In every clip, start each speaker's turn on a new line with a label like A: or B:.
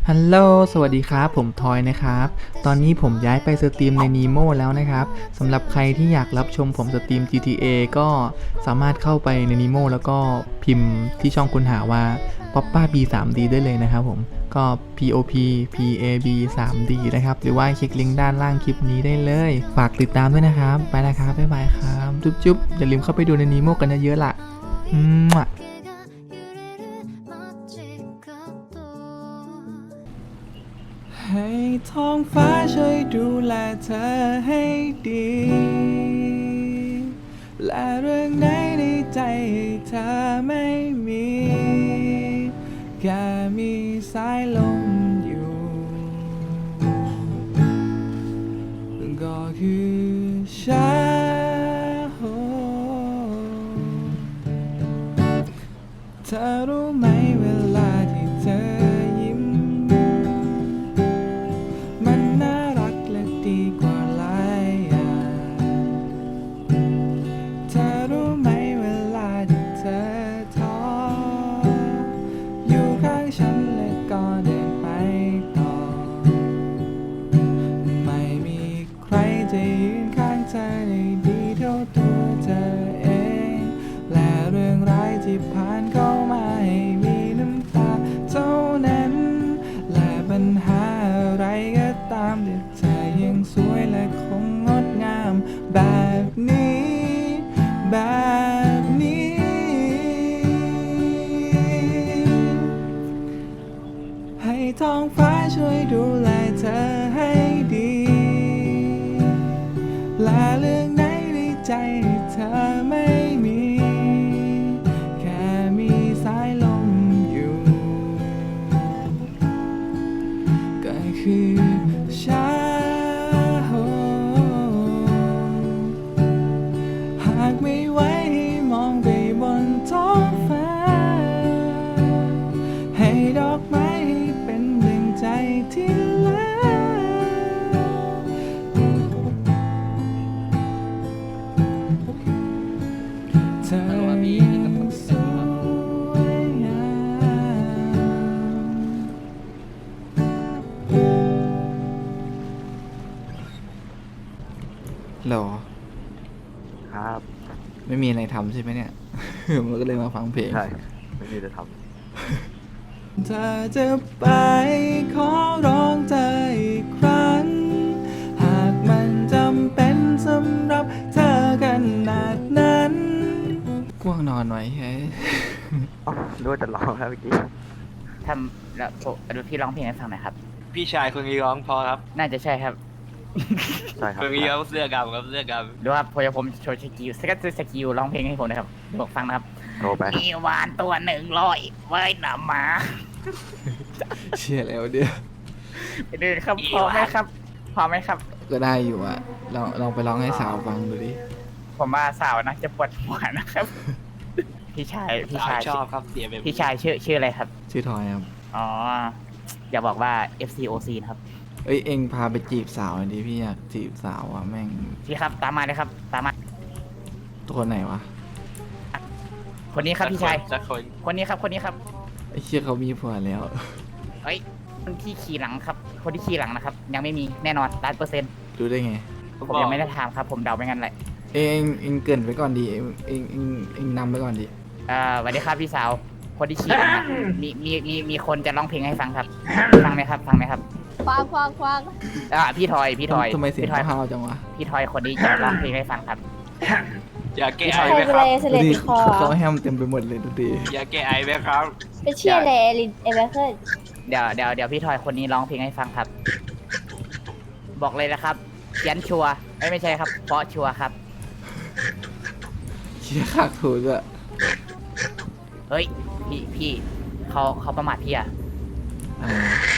A: ฮัลโหลสวัสดีครับผมทอยนะครับตอนนี้ผมย้ายไปสตรีมใน Nemo แล้วนะครับสำหรับใครที่อยากรับชมผมสตรีม GTA ก็สามารถเข้าไปใน Nemo แล้วก็พิมพ์ที่ช่องค้นหาว่า Poppa B 3D ได้เลยนะครับผมก็ POP PAB 3D นะครับหรือว่าคลิกลิงก์ด้านล่างคลิปนี้ได้เลยฝากติดตามด้วยนะครับไปแล้วครับบ๊ายบายครับจุ๊บๆอย่าลืมเข้าไปดูใน Nemo กันเยอะๆล่ะให้ท้องฟ้าช่วยดูแลเธอให้ดีและเรื่องไหนในใจให้เธอไม่มีแค่มีสายลมอยู่ก็คือฉันเธอรู้ไหมเวลาที่เธอยิ้มมันน่ารักและดีกว่าหลายอย่างเธอรู้ไหมเวลาที่เธอท้ออยู่ข้างฉันและก็เดินไปต่อไม่มีใครจะยืนข้างเธอได้ดีเท่าตัวเธอเองและเรื่องร้ายที่ผ่านเข้ามาให้มีน้ำตาเท่านั้นและปัญหาอะไรก็ตามแต่เธอยังสวยและคงงดงามแบบนี้ให้ท้องฟ้าช่วยดูแลเธอให้ดีและเรื่องไหนในใจเธอไม่มีแค่มีสายลมอยู่ก็คือฉันหากไม่ไหวให้มองไปบนท้องฟ้าให้ดอกไม้ให้เป็นดังใจที่รักเธอยังสวยงามหรอ
B: ครับ
A: ไม่มีอะไรทำใช่ไหมเนี่ย มันก็เลยมาฟังเพลง
B: ใช่ไม่มีจะท
A: เธอจะไปขอร้องเธออีกครั้ง หากมันจำเป็นสำหรับเธอขนาดนั้นง่วงนอนหน่อยเฮ้ย
B: ำอ๋อนึกว่าจะร้องครับเมื่อกี้
C: ทำแล้วดูพี่ร้องเพลงให้ฟังหน่อยครับ
D: พี่ชายคนนี้ร้องเพอครับ
C: น่าจะใช่ครับ
B: ใช่ครับ
D: คนนี้เขาเสื้อกำครับเสื้อก
C: ดูว่าผมโชว์สกิลสกิลร้องเพลงให้ผมนะครับดูฟังนะครับ
B: โทรไป
C: มีวานตัว100ว่ายน้ำมา
A: เชื่อแล้วเดี๋ยว
C: เดินครับพอไหมครับพอไหมครับ
A: ก็ได้อยู่อะลองไปร้องให้สาวฟังดูดิ
C: ผมว่าสาวนะจะปวดหัวนะครับ พี่ชาย
D: ำ
C: พี่
D: สาว
C: ชาย
D: ชอบครับเสียแบบ
C: พี่ชายชื่ออะไรครับ
A: ชื่อทอยครับ
C: อ๋ออย่าบอกว่า FCOC นะครับ
A: เอ้ยเอ็งพาไปจีบสาวหน่อยดิพี่อยากจีบสาวอะแม่ง
C: พี่ครับตามมาเลยครับ ตามมา
A: ตัวคนไหนวะ
C: คนนี้ครับพี่ชาย
D: สักคน
C: คนนี้ครับคนนี้ครับ
A: ไอ้เชี่ยเขามีผัวแล้ว
C: เอ้ยคนที่ขี่หลังครับ คนที่ขี่หลังนะครับ ยังไม่มีแน่นอน100%
A: ดูได้ไง
C: ผมยังไม่ได้ถามครับ ผมเดาไปงั้นแหละ
A: เอ็งเกรินไปก่อนดิเอ็งนำไปก่อนดิ
C: สวัสดีครับพี่สาว คนที่ขี่หลังอะมีคนจะร้องเพลงให้ฟังครับ ฟังไหมครับ ฟังไหมครับ
E: ฟัง
C: พี่ทอย
A: ทำไมเสียง
C: พี่ทอย
A: ห้าวๆจังวะ
C: พี่ทอยคนนี้จะร้องเพลงให้ฟังครับ
D: อยากแก้
E: ใค
D: ไอ
E: ร
D: ไหม
E: เป็น
D: ค
E: อะไร
D: รับ
E: เสลดติดคอ
A: เขาแฮมเต็มไปหมดเลยดูดิ
D: อยากแก้ไอไหมครับ
E: เป็นเชี่ยอะไรเอเวอร์เคิล
C: เดี๋ยวพี่ทอยคนนี้ร้องเพลงให้ฟังครับ บอกเลยนะครับเขียนชัวร์ไม่ใช่ครับ เพราะชัวร์ครับ
A: เชี่ยขากถูกอะ
C: เฮ้ย พี่เขาประมาทพี่อะ
A: อ่า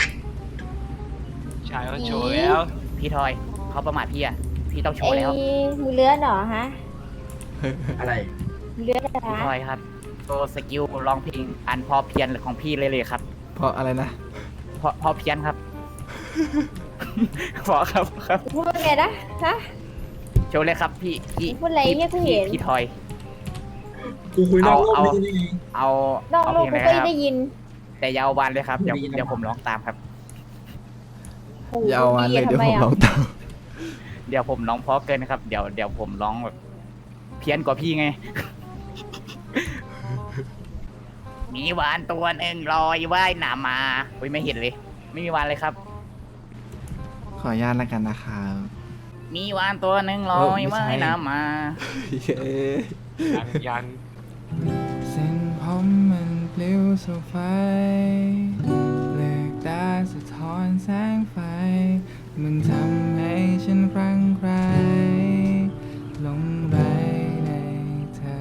D: ชายเขาโชว์แล้ว
C: พี่ทอยเขาประมาทพี่อะพี่ต้องโช
E: ไอ้
C: ว์แล้ว
E: มือเลื้อนเหรอฮะ
B: อะไร
E: มือเลื้อนเหรอ
C: พี่
E: ฮะ
C: ทอยครับโชว์สกิลร้องเพลงอันพอเพียนของพี่เลยครับ
A: เพราะอะไรนะ
C: พอเพียนครับ พอครับ
E: พูดว่าไงนะฮะ
C: โชว์เลยครับพี่
E: พูดอะไรเนี่ยกูเห็น
C: พี่ทอย
F: กูคุยนอกรอบ
C: เอา
F: นี่นี่
C: เอา
E: นอก
C: เอา
E: โล
C: เพ
E: ก
C: ลง
E: กู
C: เลย
E: ก็
C: นะครับ
E: ได้ยิน
C: แต่อยาววันเลยครับเดี๋ยว
F: ได้ยิน
C: เดี๋ยวผมร้องตามครับ
A: อย่าเอาอันเลยเดี๋ยวผมร้องตาม
C: เดี๋ยวผมร้องเพราะเกินครับ เดี๋ยวผมร้องแบบเพี้ยนกว่าพี่ไง มีวานตัวหนึ่งลอยว่ายน้ำมาอุ้ยไม่เห็นเลย ไม่มีวานเลยครับ
A: ขออนุญาตแล้วกันนะครับ
C: มีวานตัวหนึ่งลอยว่ายน้ำมา
D: ยัง
A: เส้นผมมันปลิวสู่ไฟเลือกตาสะท้อนแสงไฟ มันทำให้ฉันคลั่งไคล้หลงไหลในเธอ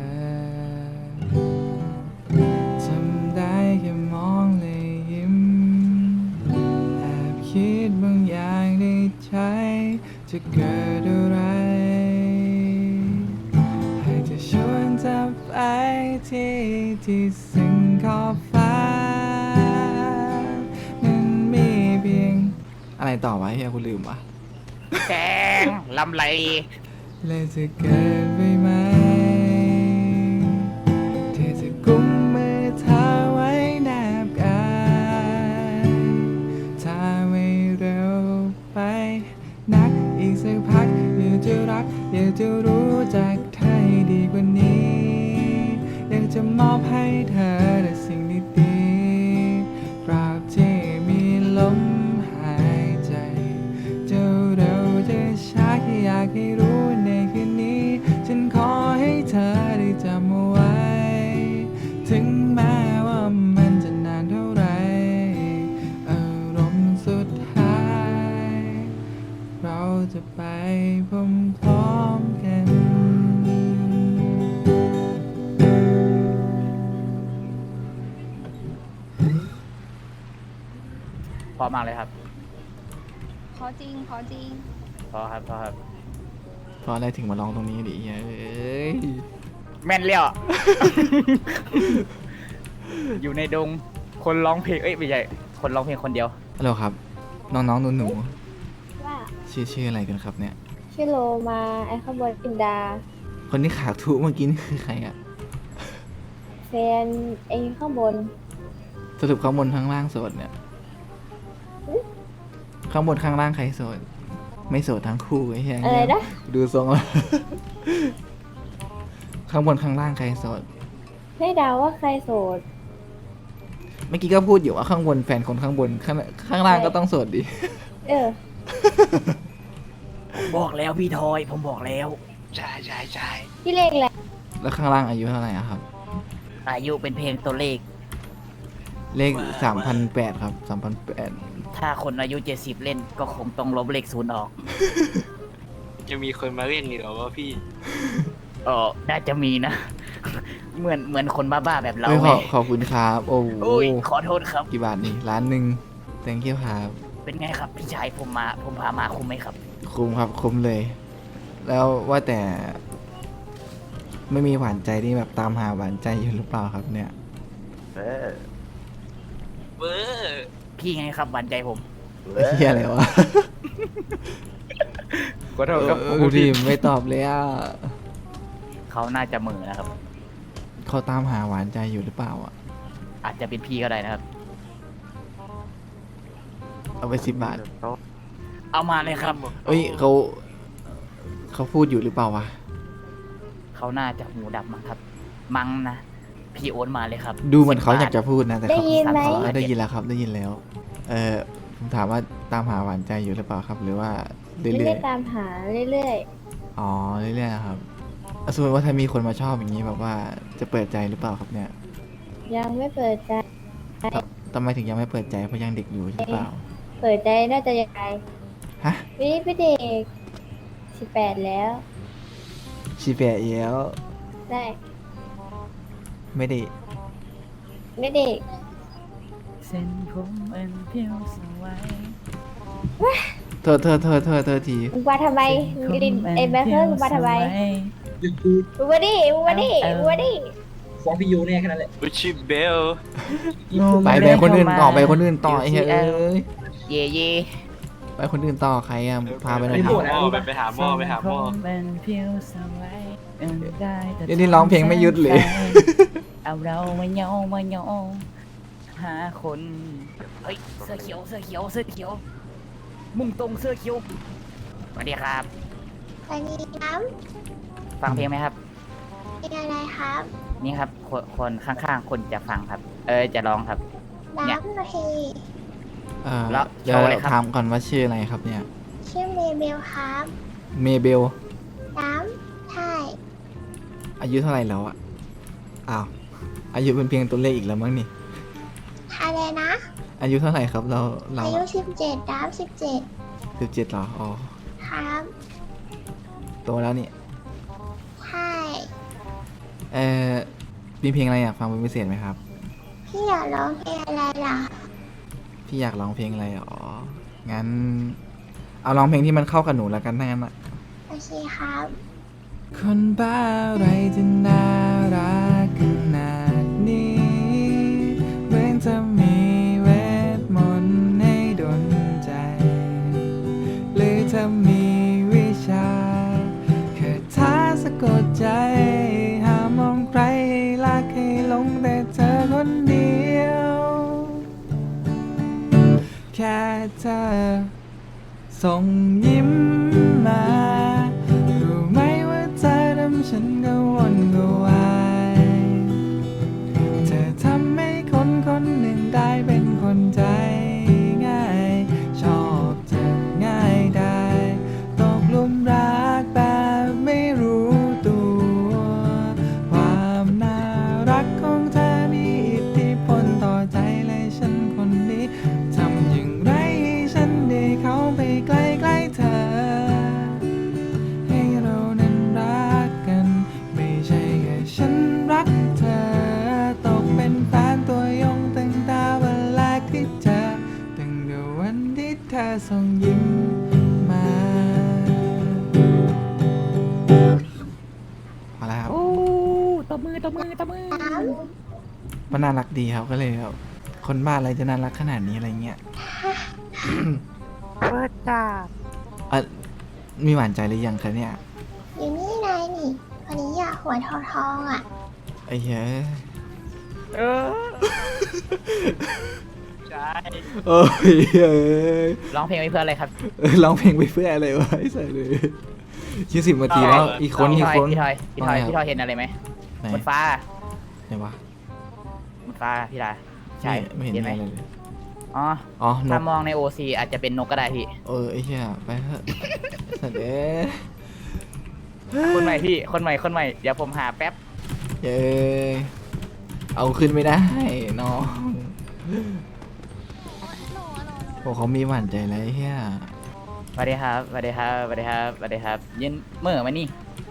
A: ทำได้แค่มองเลยยิ้มแอบคิดบางอย่างในใจจะเกิดอะไรให้เธอชวนเธอไปที่สิ่งขอบฟ้านั้นมีเพียงอะไรต่อวะเฮียกูลืมวะ
C: แสงลำไร
A: เลยจะเกิดไปไหมที่จะกุมมือเธอไว้แนบกายถ้าไม่เร็วไปนักอีกสักพักอยากจะรักอยากจะรู้จักเธอให้ดีกว่านี้อยากจะมอบให้เธอแต่สิ่งดีๆตราบที่มีลมหายใจจะเร็วจะช้าแค่อยากให้รู้ในคืนนี้ฉันขอให้เธอได้จำเอาไว้ถึงแม้ว่ามันจะนานเท่าไรอารมณ์สุดท้ายเราจะไปพร้อมๆกัน
C: พอมากเลยครับ
G: ขอจริง ขอจริง
C: พอครับ
A: เพราะอะไรถึงมาร้องตรงนี้ดิเอ้ย
C: แม่นเลี้ยว อยู่ในดง คนร้องเพลง เอ้ยไม่ใช่ คนร้องเพลงคนเดียว
A: ฮัลโหลครับ น้องๆหนู
E: ว่า
A: ๆชื่ออะไรกันครับเนี่ย
E: ชื่อโลมาไอ้ข้างบนอินดา
A: คนที่ขาทุเมื่อกี้นี่คือใครอะ
E: แฟนเองข้างบน
A: สรุปข้างบนข้างล่างโสดเนี่ย ข้างบนข้างล่างใครโสด ไม่โสดทั้งคู่ไอ้เหี้ย
E: อะไรนะ
A: ดูทรงแล้ว ข้างบนข้างล่างใครโสด
E: ให้เดาว่าใครโสด
A: เมื่อกี้ก็พูดอยู่ว่าข้างบนแฟนคนข้างบนข้างล่างก็ต้องโสดดิ
E: เออ
C: บอกแล้วพี่ทอย ผมบอกแล้ว
D: ใช่
E: พี่เลขแหละ
A: แล้วข้างล่างอายุเท่าไหร่อะครับ
C: อายุเป็นเพลงตัวเลข
A: เลข3,800ครับ3,800
C: ถ้าคนอายุ 70 เล่นก็คงต้องลบเลขศูนย์ออก
D: จะมีคนมาเล่นนี่เหรอวะพี่
C: น่าจะมีนะ เหมือนคนบ้าๆแบบเรา
A: เฮ้ย
C: ไง
A: ขอบคุณครับ โอ้โห
C: โอ้ยขอโทษครับ
A: กี่บาทนี่1,000,000 thank you ครับ
C: เป็นไงครับพี่ชายผมพามาคุ้มไหมครับ
A: คุ้มครับคุ้มเลย แล้วว่าแต่ ไม่มีหวานใจที่แบบตามหาหวานใจอยู่หรือเปล่าครับเนี่ย
B: เออ
D: เวอร์
C: พี่ไงครับหวานใจผม
A: เฮียอะไรวะ
C: ขอโทษครับ
A: ดูดิไม่ตอบเลยอ่ะ
C: เขาน่าจะเหมือนะครับ
A: เขาตามหาหวานใจอยู่หรือเปล่าอ่ะ
C: อาจจะเป็นพี่ก็ได้นะครับ
A: เอาไป10 บาท
C: เอามาเลยครับ
A: เอ้ยเขาพูดอยู่หรือเปล่าวะ
C: เขาน่าจะหูดับมั้งครับ มั้งนะ พี่โอนมาเลยครับ
A: ดูเหมือนเขาอยากจะพูดนะแต่
E: ได้
A: เขา
E: ยินไหม
A: อ๋อได้ยินแล้วครับได้ยินแล้ว ผมถามว่าตามหาหวานใจอยู่หรือเปล่าครับ หรือว่าเรื่
E: ไม่
A: อ
E: ได้
A: ย
E: ตามหาเรื่อย
A: ๆอ๋อเรื่อยๆนะครับสมมติว่าถ้ามีคนมาชอบอย่างนี้แบบว่าจะเปิดใจหรือเปล่าครับเนี่ย
E: ๆ ยังไม่เปิดใจ
A: ทำไมถึงยังไม่เปิดใจเพราะยังเด็กอยู่หรือเปล่า
E: เปิดใจน่าจะยังไง
A: ฮะ
E: วันนี้พี่เด็ก18 แล้ว
A: ชีแปะแล้ว
E: ได้
A: ไม่ได้
E: ไม่เด็ก
C: เส้นผมมันเพียวสวย
A: โทษที
E: มึงมาทำไมมึงลินไอ้แบคเกอร์มึงมาทำไม
F: เดี๋ยวกู
E: มึงมาดิมึงมาดิมึงมาดิ
F: ฟ้องพี่ยูแน่แค่นั้นแหละ
D: อุชิเบล
A: ไปคนอื่นต่อไปคนอื่นต่อไอ้เฮ้ยเอ้ย
C: เย่เย่
A: ไปคนอื่นต่อใครอ่ะพาไปหน่อย
F: ไม่
A: ดิ
F: โหดนะ
D: ไปหาหม้อไปหาหม้อ
C: มันเพียวสวยได้แต่
A: เดี๋ยวนี้ร้องเพลงไม่หยุดเลย
C: เอาเรามาโยหาคน เฮ้ย เสื้อเขียวมุ่งตรงเสื้อคิ้วสวัสดีครับ
E: สวัสดีครับ
C: ฟังเพลงไหมครับ
E: เป็นอะไรครับ
C: นี่ครับคนข้างๆคนจะฟังครับ จะร้องครับ เนี่ย
E: น้ำโอเค
C: แล้ว
A: เดี๋ยว
C: โชว์เลยครับ
A: ถามก่อนว่าชื่ออะไรครับเนี่ย
E: ชื่อเมเบลครับ
A: เมเบล
E: น้ำใช่
A: อายุเท่าไหร่แล้วอะอ้าวอายุเป็นเพียงตัวเลขอีกแล้วมั้งนี่
E: อะไรนะ
A: อายุเท่าไหร่ครับเรา
E: อายุ17น้ำ17
A: 17เหรออ๋อ
E: ครับ
A: โตแล้วนี่
E: ใช่
A: เออมีเพลงอะไรอยากฟังเป็นพิเศษไหมครับ
E: พี่อยากร้องเพลงอะไรล่ะ
A: พี่อยากร้องเพลงอะไรอ๋องั้น เอาร้องเพลงที่มันเข้ากับหนูแล้วกันถ้างั้นอะ
E: โอเคครับ
A: คนบ้าอะไรจะน่ารักขนาดนี้เหมือนจะมีเวทมนต์ให้ดลใจ หรือจะมีวิชาคาถาสะกดใจ หามองใครให้รักให้หลงแต่เธอคนเดียว แค่เธอส่งยิ้มมา รู้ไหมว่าเธอทำฉันกังวลกวายเธอทำให้คนคนหนึ่งได้เป็นคนใจง่าย ชอบเธอง่ายได้ตกหลุมรักแบบไม่รู้ตัว ความน่ารักของเธอมีอิทธิพลต่อใจเลยฉันคนนี้ทำอย่างไรให้ฉันได้เข้าไปใกล้ๆเธอ ให้เรานั้นรักกัน ไม่ใช่แค่ฉันรักเธอ ตกเป็นแฟนตัวยงตั้งแต่วันแรกที่เจอตั้งแต่วันที่เธอส่งยิ้มมาพอแล้วครับ
C: โอ้ตบมือ
A: มันน่ารักดีครับก็เลยแบบคนบ้าอะไรจะน่ารักขนาดนี้อะไรเงี้ย
B: เปิดจ้า
A: มีหวานใจหรือยังคะเนี่ย
E: อยู่นี่ไงนี่คนนี้อยากหัวทองๆอ่ะ
A: ไอ้เหี้ย
D: ใช่
A: โอ้ยเอ้ย
C: ร้องเพลงไว้เพื่ออะไรครับ
A: ร้องเพลงไปเพื่ออะไรวะไอ้สัสเลย20 นาทีแล้วอีกคน
C: พี่
A: อีก
C: ทอย
A: คน
C: พี่ทอยพี่ทอย
A: ว่าไงครับ
C: พี่ทอยเห็นอะไรไหม
A: ไหน
C: บนฟ้า
A: ไหนวะ
C: บนฟ้าพี่ดาใช่
A: ไม่เห็น
C: ไหม
A: อะไรเลย
C: อ๋อ
A: อ๋อน
C: ถ้าก มองในโอซีอาจจะเป็นนกก็ได้พี่
A: ไอ้เหี้ยไปเถอะสัตว์เอ้ย
C: คนใหม่พี่คนใหม่เดี๋ยวผมหาแป๊บ
A: เย้ยเอาขึ้นไม่ได้น้องโอ้เขามีหวานใจแล้วไอ้เหี้ย
C: สวัสดีครับสวัสดีครับสวัสดีครับสวัสดีครับยืนมือมานี่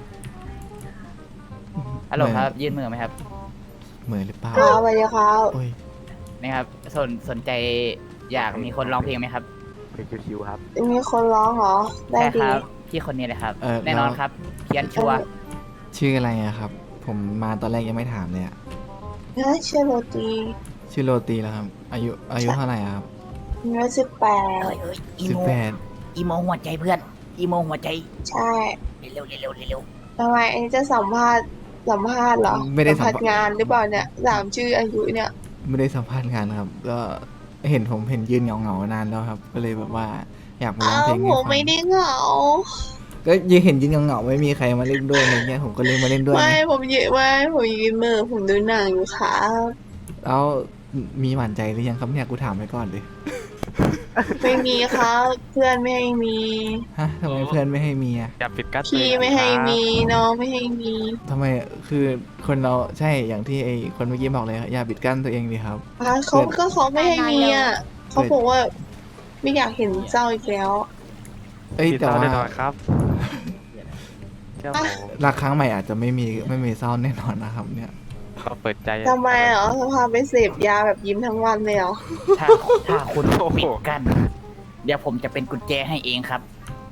C: ฮัลโหลครับยืนมือไหมครับ
A: เหมือนหรือเปล่า
E: ครับสวัสดีครับ
A: โอ้ย
C: นี่ครับสนใจอยากมีคนร้องเพลงไหมครับ
B: เพลงชิวๆครับ
E: มีคนร้องเหรอ ได้
C: ใช่
E: ดี
C: ครับพี่คนนี้เลยครับ แน่นอนครับเพียนชัวร์
A: ชื่ออะไรอะครับ ผมมาตอนแรกยังไม่ถามเลยอะ
E: ชื่อโรตี
A: ชื่อโรตีแล้วครับ อายุเท่าไหร่อะครับ
E: อายุ18
C: อี
A: สิบ
C: โม
A: แปด
C: อีโมหัวใจเพื่อนอีโมหัวใจ
E: ใช่
C: เร็วเร็ว
E: ทำไมอันนี้จะสัมภาษณ์เหรอ
A: ไม่ได้สัม
E: ภาษ
A: ภาษ
E: ณ์
A: ณ์
E: งานหรือเปล่าเนี่ยถามชื่ออายุเนี่ย
A: ไม่ได้สัมภาษณ์งานครับ ก็เห็นผมเห็นยืนเหงาๆนานแล้วครับ ก็เลยแบบว่าอยากมาร้องเพลงให้
E: ผม
A: ฟัง
E: ไม่ได้เหงา
A: ก็ยังเห็นยืนเหงาๆไม่มีใครมาเล่นด้วยอะไรเงี้ยผมก็เลยมาเล่นด้วย
E: ไม่
A: ไง
E: ผมยืนมือผมดูหนังอยู่ครับ
A: แล้วมีหวานใจหรือยังครับเนี่ยกูถามไปก่อนเลย
E: ไม่มีครับเพื่อนไม่ให้มี
A: ฮะทำไมเพื่อนไม่ให้มีอะ
D: อย่าปิดกั้น
E: พี่ไม่ให้มีน้องไม่ให้มี
A: ทำไมคือคนเราใช่อย่างที่ไอ้คนเมื่อกี้บอกเลยอย่าปิดกั้นตัวเองดีครับ
E: เขาไม่ให้มีอ่ะเขาบอกว่าไม่อยากเห็นเจ้าอีกแล้ว
A: เอ้ย
D: ปิด
A: แต่
D: ตา
A: ว่า
D: แน่นอนครับเจ้า
A: รักครั้งใหม่อาจจะไม่มีเศร้าแน่นอนนะครับ เนี่ย
D: ก็เปิดใจ
E: ทำไมเหรอจะพาไปเสพยาแบบยิ้มทั้งวันเลยเหรอ
C: ถ้าคุณปิดกัน เดี๋ยวผมจะเป็นกุญแจให้เองครับ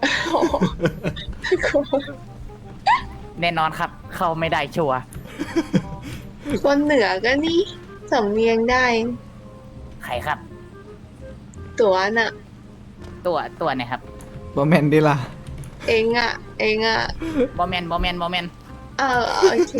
C: แน่นอนครับ เข้าไม่ได้ชัวร์
E: คนเหนือก็นี่สำเนียงได้
C: ใครครับ
E: ตัวน่ะ
C: ตัวเนี่ยครับ
A: บอแมนดิล่ะ
E: เองอ่ะ
C: บอแมน
E: โอเค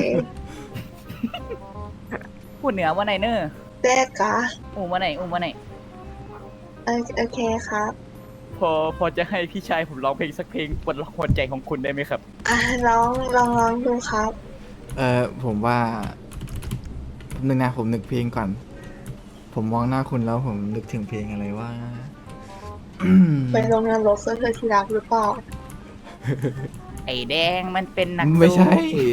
C: พูดเหนือว่าไหนเนอร์
E: แรกกะ
C: อูว่าไหน
E: โอเคครับ
C: ผพอจะให้พี่ชายผมร้องเพลงสักเพลงปลดล็อกหัวใจของคุณได้ไหมครับ
E: อ่ะลองดูครับ
A: ผมว่าแป๊บนึงนะผมนึกเพลงก่อน ผมมองหน้าคุณแล้วผมนึกถึงเพลงอะไรว่า
E: ไปลงนรกเพื่อเธอที่รักหรือเปล่า
C: ไอ้แดงมันเป็นนัก
A: ไม่ใช่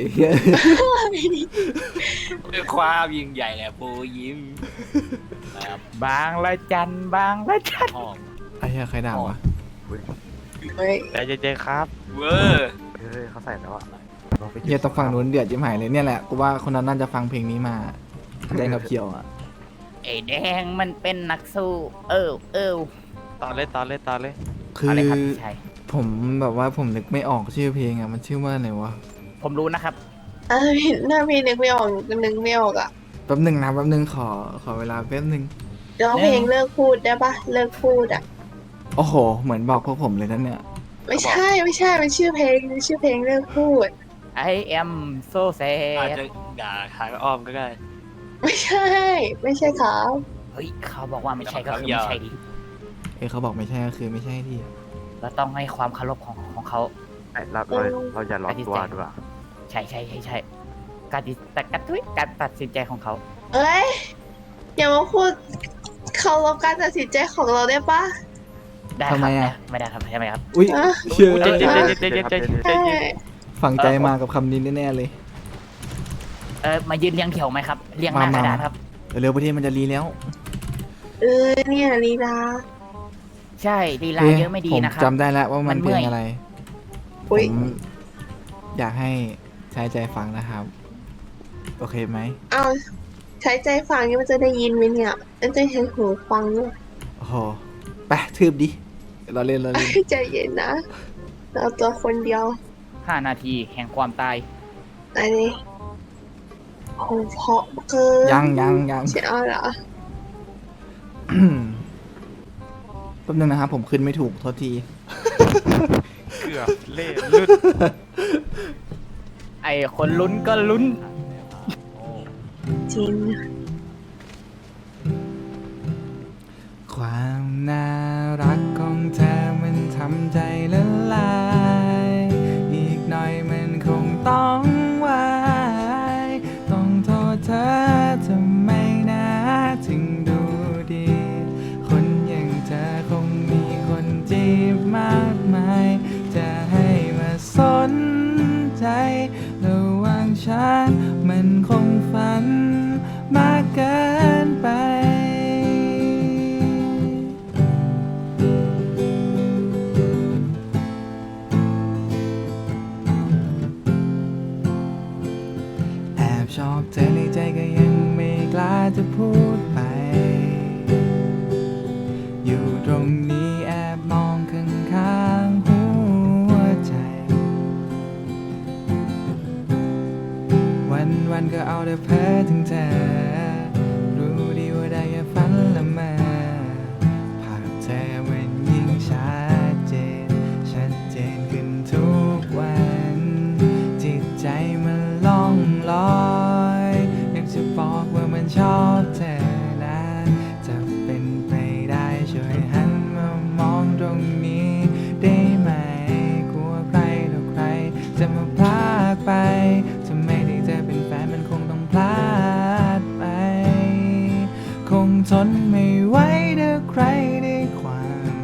D: ด้วยความยิ่งใหญ่แหละโปยิ้มครับ
C: บางละจันบางละจัน
D: หอม
A: ไอ้เหี้ยใครด่าวะ
E: เฮ้ย
H: ใจเย็นๆครับ
D: เวอร์
B: เฮ้ยเขาใส่แล้วอะลองไป
A: เหี้ยต้องฟังนู้นเดือดจิ้มหายเลยเนี่ยแหละกูว่าคนนั้นน่าจะฟังเพลงนี้มาแดงกับเขียวอ่ะ
C: ไอ้แดงมันเป็นนักสู้ เออ
H: ตอนเลยตอนเลยตอนเลย
A: คือ
C: อะไรครับพี่ชาย
A: ผมแบบว่าผมนึกไม่ออกชื่อเพลงอ่ะมันชื่อว่าอะไรวะ
C: ผมรู้นะครับ
E: ถ้าพี่นึกไม่ออกนึกไม่ออกอ่ะ
A: แป๊บนึงนะแป๊บนึงขอเวลาแป๊บนึง
E: ร้องเพลงเลิกพูดได้ปะเลิกพูดอ่ะ
A: โอ้โห เหมือนบอกพวกผมเลยนั่นเนี่ย
E: ไม่ใช่มันชื่อเพลงเลิกพูด
C: I am so
D: อาจ
C: sad
D: จะด่าทางอ้อมก็ได้
E: ไม่ใช่ครับ
C: เฮ้ยเขาบอกว่าไม่ใช่ก็คือ
D: เดี๋ยว
C: ไม่ใช่ดิ
A: เขาบอกไม่ใช่ก็คือไม่ใช่ที่
C: เราต้องให้ความเคารพของเขา
B: เราอย่าร้อนตัวด้วย
C: ใช่การตัดสินใจของเขา
E: เอ้ยอย่ามาพูดเคารพการตัดสินใจของเราได้ปะ
C: ได้ค
A: ทำ
C: รับ
A: ไมอะ
C: ไม่ได้ครับใช่ไหมครับ
A: อุ้ย
E: อ่ะ
A: เชื่อ
H: ใจเย็นใจเย็นใจเย็นใจ
E: ใช่
H: เย็น
A: ฝังใจมากับคำนี้แน่ๆเลย
C: มายืนเรียงแถวไหมครับ เรียงหน้ากระดาษครับ
A: เร็วๆประเทศมันจะรีแล้ว
E: เนี่ยลีลา
C: ใช่ลีลาเยอะไม่ดีนะครับ
A: ผมจำได้แล้วว่ามัน
C: มันเมื่
A: เพล
C: อย
A: งอะไร ผ
E: อุ้ย
A: มอยากให้ใช้ใจฟังนะครับ โอเคไหม
E: เอาใช้ใจฟังนี่มันจะได้ยินไหมเนี่ยมันจะใช้หูฟังด้วย
A: โอ้โหไปทืบดิเราเล่น
E: ใจเย็นนะเราตัวคนเดียว
C: 5 นาทีแห่งความตาย
E: อันนี้โหเพราะเกิน
A: ยัง
E: ใช่เอาเหรอ
A: แป๊บนึงนะครับผมขึ้นไม่ถูกโทษที
H: เกือบเล่นลุด
C: ไอ้คนลุ้นก็ลุ้น
E: จริง
A: ความน่ารักของเธอมันทำใจละลาย อีกหน่อยมันคงต้องวายต้องโทษเธอทำไมนะถึงดูดี คนอย่างเธอคงมีคนจีบมากมาย จะให้มาสนใจระหว่างฉันมันคงฝันมากเกินไป แอบชอบเธอในใจก็ยังไม่กล้าจะพูดไป อยู่ตรงนี้แอบมองข้างๆหัวใจ วันๆก็เอาแต่เพ้อถึงเธอ รู้ดีว่าได้แค่ฝันละเมอภาพเธอมันยิ่งชัดเจนขึ้นทุกวัน จิตใจมันล่องลอยอยากจะบอกว่ามันชอบเธอนะจะเป็นไปได้ช่วยหันมามองตรงนี้ได้ไหมกลัวใครต่อใครจะมาพลากไปถ้าไม่ได้เจอเป็นแฟนมันคงต้องพลาดไป คงทนไม่ไหวถ้าใครได้ความ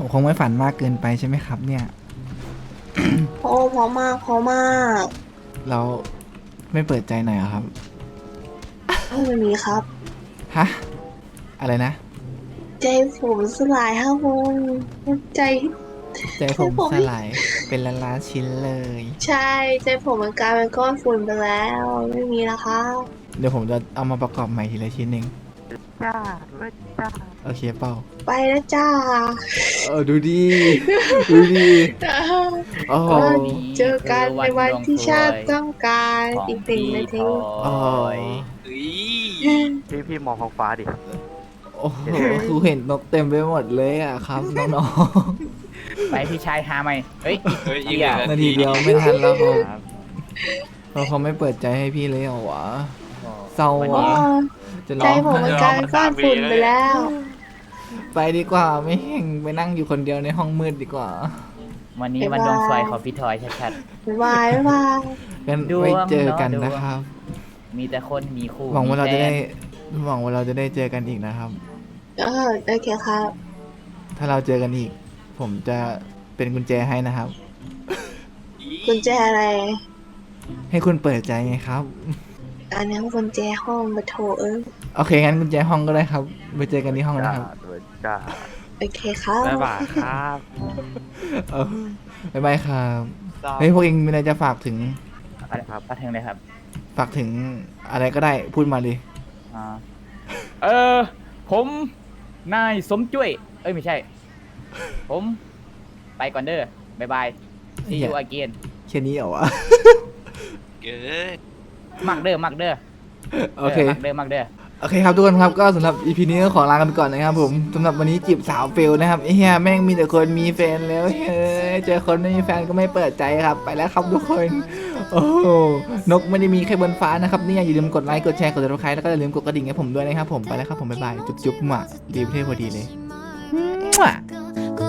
A: ผมคงไม่ฝันมากเกินไปใช่ไหมครับ เนี่ย
E: โอ้พอมากพอมาก
A: เราไม่เปิดใจหน่อยเหรอครับ
E: ไม่มีครับ
A: ฮะ อะไรนะ
E: ใจผมสลายครับผมใจ
A: ใจผมสลายเป็นล้านๆชิ้นเลย
E: ใช่ใจผมมันกลายเป็นก้อนฝุ่นไปแล้ว ไม่มีแล้วครับ
A: เดี๋ยวผมจะเอามาประกอบใหม่ทีละชิ้นเอง
B: จ้าด้วยจ้า
A: โอเคเปล่า
E: ไปแล้วจ้า
A: ดูดี ดูดีโอ้โห
E: เจอกันในวันที่ชาติต้องการ
C: ของ
E: อีกหนึ่ง
C: พี่
E: นา
C: ท
E: ที
A: โอ้
C: อย
D: เฮ้ย
B: พี่มองท้องฟ้าดิ
A: โอ้โหคือเห็นนกเต็มไปหมดเลยอ่ะครับ น้อง
C: ไปพี่ชายหาไหมเฮ้ย
D: เฮ้ยอีก
C: เหี้ย
A: ๆนาทีเดียวไม่ทันแล้วครับเราเขาไม่เปิดใจให้พี่เลยเหรอวะ เศร้า
C: วัน
E: โอ้
C: นี้
A: อ่ะ จะร้
E: ใจ
A: อง
E: ผมมันกลายเป็นก้อนฝุ่นไปแล้ว
A: ไปดีกว่าไม่แห่งไปนั่งอยู่คนเดียวในห้องมืดดีกว่า
C: วันนี้
E: บ๊ายบาย
C: วันดวงสวยของพี่ทอยชัด
E: บ๊ายบายบ๊ายบาย
A: กัน
C: ดวง
A: ไว้เจอกัน
C: เนอะ
A: นะครับ
C: ๆมีแต่คนมีคู่
A: หวังว่าเราจะได้
C: มีแฟน
A: หวังว่าเราจะได้เจอกันอีกนะครับ
E: โอเคครับ
A: ถ้าเราเจอกันอีก ผมจะเป็นกุญแจให้นะครับ
E: กุญแจอะไร
A: ให้คุณเปิดใจไงครับ
E: อันนี้กุญแจห้องมาโถ
A: โอเคงั้นกุญแจห้องก็ได้ครับไปเจอกันที่ห้อง
B: จ้า
A: นะครับ
B: ด้วยจ้า
E: โอเคครับ
H: บ๊ายบายครับ
A: เออบ๊ายบายครับเฮ้ยพวกเองมีอะไรจะฝากถึง
C: อะไรครับประเทงเลยครับ
A: ฝากถึงอะไรก็ได้พูดมาดิ
C: อ่าผมนายสมจุ้ยเอ้ยไม่ใช่ ผมไปก่อนเด้อบายบาย see you again
A: แค่นี้เหรอวะ
D: เกิด
C: มักเด้อมักเด้อ
A: โอเค
C: มักเด้อมักเด้อ
A: โอเคครับทุกคนครับก็สำหรับ EP นี้ก็ขอลากันไปก่อนนะครับผมสำหรับวันนี้จีบสาวเฟลนะครับไอ้เฮียแม่งมีแต่คนมีแฟนแล้วเฮ้ยเจอคนไม่มีแฟนก็ไม่เปิดใจครับไปแล้วครับทุกคนโอ้โหนกไม่ได้มีแค่บนฟ้านะครับนี่อย่าลืมกดไลค์กดแชร์กดติดตามแล้วก็อย่าลืมกดกระดิ่งให้ผมด้วยนะครับผมไปแล้วครับผมบ๊ายบายจุ๊บๆหมาดีประเทศพอดีเลย